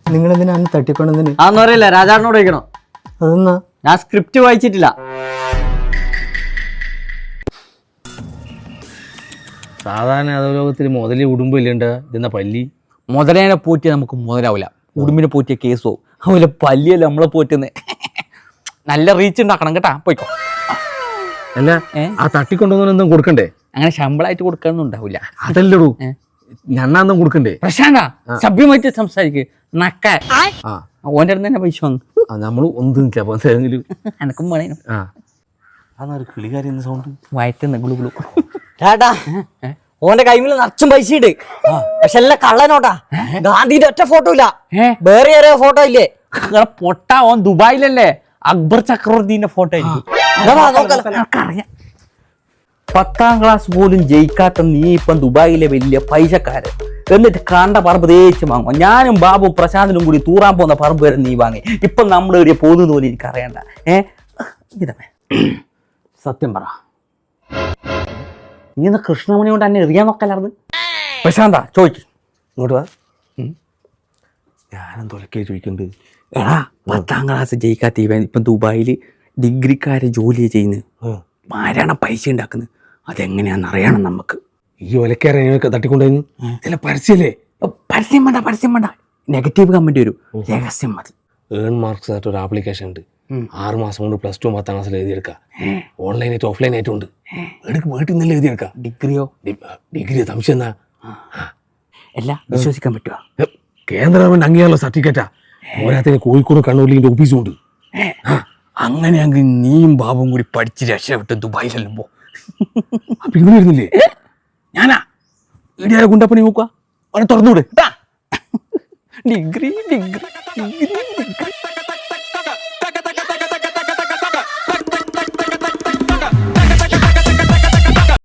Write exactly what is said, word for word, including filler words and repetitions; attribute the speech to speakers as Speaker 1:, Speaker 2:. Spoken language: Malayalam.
Speaker 1: നിങ്ങൾ എന്തിനാ അന്ന് തട്ടിക്കൊണ്ടെന്ന്
Speaker 2: അതൊന്നും അറിയില്ല, രാജാവിനോട് ചോദിക്കണം.
Speaker 1: അതെന്നാ?
Speaker 2: ഞാൻ സ്ക്രിപ്റ്റ് വായിച്ചിട്ടില്ല.
Speaker 3: സാധാരണ അധോലോകത്തിൽ മുതലി ഉടുമ്പില്ലുണ്ട് ഇതെന്ന പല്ലി.
Speaker 2: മുതലേനെ പോറ്റിയാൽ നമുക്ക് മുതലാവില്ല, ഉടുമ്പിനെ പോറ്റിയ കേസോ. അതുപോലെ പല്ലിയല്ല നമ്മളെ പോറ്റുന്നത്. നല്ല റീച്ച് ഉണ്ടാക്കണം കേട്ടാ, പോയിക്കോ.
Speaker 3: അല്ല ആ തട്ടിക്കൊണ്ടുവന്നും കൊടുക്കണ്ടേ?
Speaker 2: അങ്ങനെ ശമ്പളമായിട്ട് കൊടുക്കാനൊന്നും ഉണ്ടാവില്ല.
Speaker 3: അതല്ലടൂ, ഞണ്ണാന്നും കൊടുക്കണ്ടേ?
Speaker 2: പ്രശാന്ത സഭ്യമായിട്ട് സംസാരിക്ക്. നക്ക
Speaker 3: ആ
Speaker 2: ഓൻ്റെ അടുത്ത് തന്നെ പൈസ വാങ്ങും.
Speaker 3: നമ്മള് ഒന്നും
Speaker 2: എനക്കും വേണേനും.
Speaker 3: ആ അതൊരു കിളികാരി എന്ന സൗണ്ട്
Speaker 2: വയറ്റുന്ന ഗുളു ഗുളു.
Speaker 4: ചേട്ടാ, ഓന്റെ കൈമിൽ നിറച്ചും പൈസ ഉണ്ട്, പക്ഷെ എല്ലാം കള്ളനോട്ടാ. ഗാന്ധിന്റെ ഒറ്റ ഫോട്ടോ ഇല്ല, വേറെ ആരോ ഫോട്ടോ ഇല്ലേ?
Speaker 2: പൊട്ട, ഓൻ ദുബായിലല്ലേ, അക്ബർ ചക്രവർത്തിന്റെ ഫോട്ടോ ആയിരിക്കും. പത്താം ക്ലാസ് പോലും ജയിക്കാത്ത നീ ഇപ്പം ദുബായിലെ വലിയ പൈസക്കാരൻ, എന്നിട്ട് കണ്ട പറമ്പ് തേച്ച് വാങ്ങും. ഞാനും ബാബും പ്രശാന്തിനും കൂടി തൂറാൻ പോകുന്ന പറമ്പ് വരെ നീ വാങ്ങി. ഇപ്പം നമ്മൾ എവിടെയാ പോകുന്നത് പോലെ എനിക്ക് അറിയണ്ട. ഏഹ് ഇതേ സത്യം പറ, നീ എന്നാ കൃഷ്ണമണി കൊണ്ട് എന്നെ എറിയാൻ നോക്കല്ലായിരുന്നു? പ്രശാന്ത ചോദിച്ചു
Speaker 3: ഇങ്ങോട്ട് വാ. ഞാനും തൊലക്കേ ചോദിക്കുന്നുണ്ട്.
Speaker 2: എടാ, പത്താം ക്ലാസ് ജയിക്കാത്ത ഇവൻ ഇപ്പം ദുബായിൽ ഡിഗ്രിക്കാരെ ജോലി ചെയ്യുന്നത്, ആരാണ് പൈസ ഉണ്ടാക്കുന്നത്, അതെങ്ങനെയാണെന്ന് അറിയണം നമുക്ക്.
Speaker 3: ഈ ഒലക്കാരെ തട്ടിക്കൊണ്ടുവന്ന് ചില പരസ്യല്ലേ?
Speaker 2: പരസ്യം വേണ്ട, പരസ്യം വേണ്ട, നെഗറ്റീവ് കമന്റ് വരും, രഹസ്യം മതി.
Speaker 3: ഏൺ മാർക്സ് ആയിട്ട് ഒരു ആപ്ലിക്കേഷൻ ഉണ്ട്, ആറ് മാസം കൊണ്ട് പ്ലസ് ടു പത്താം ക്ലാസ്സിൽ എഴുതിയെടുക്കാം. ഓൺലൈൻ ആയിട്ട് ഓഫ്ലൈൻ ആയിട്ടും ഉണ്ട്. എടുക്ക് വീട്ടിൽ നിന്നല്ലേ എഴുതിയെടുക്കാം.
Speaker 2: ഡിഗ്രിയോ?
Speaker 3: ഡിഗ്രി സംശയം എന്നാ?
Speaker 2: എല്ലാം വിശ്വസിക്കാൻ പറ്റുക?
Speaker 3: കേന്ദ്ര ഗവൺമെന്റ് അംഗീകാരമുള്ള സർട്ടിഫിക്കറ്റാ. പോരാത്തിന് കോഴിക്കോട് കണ്ണൂരിൽ ഓഫീസും ഉണ്ട്.
Speaker 2: അങ്ങനെയാണെങ്കിൽ നീയും ബാബും കൂടി പഠിച്ച് രക്ഷപ്പെട്ട് ദുബായിലെല്ലാം പോ.
Speaker 3: അപ്പൊ ഇങ്ങനെ വരുന്നില്ലേ?
Speaker 2: ഞാനാ ഇടിയാരെ കുണ്ടപ്പണി നോക്കുക, അവനെ തുറന്നുവിട്. Degree degree degree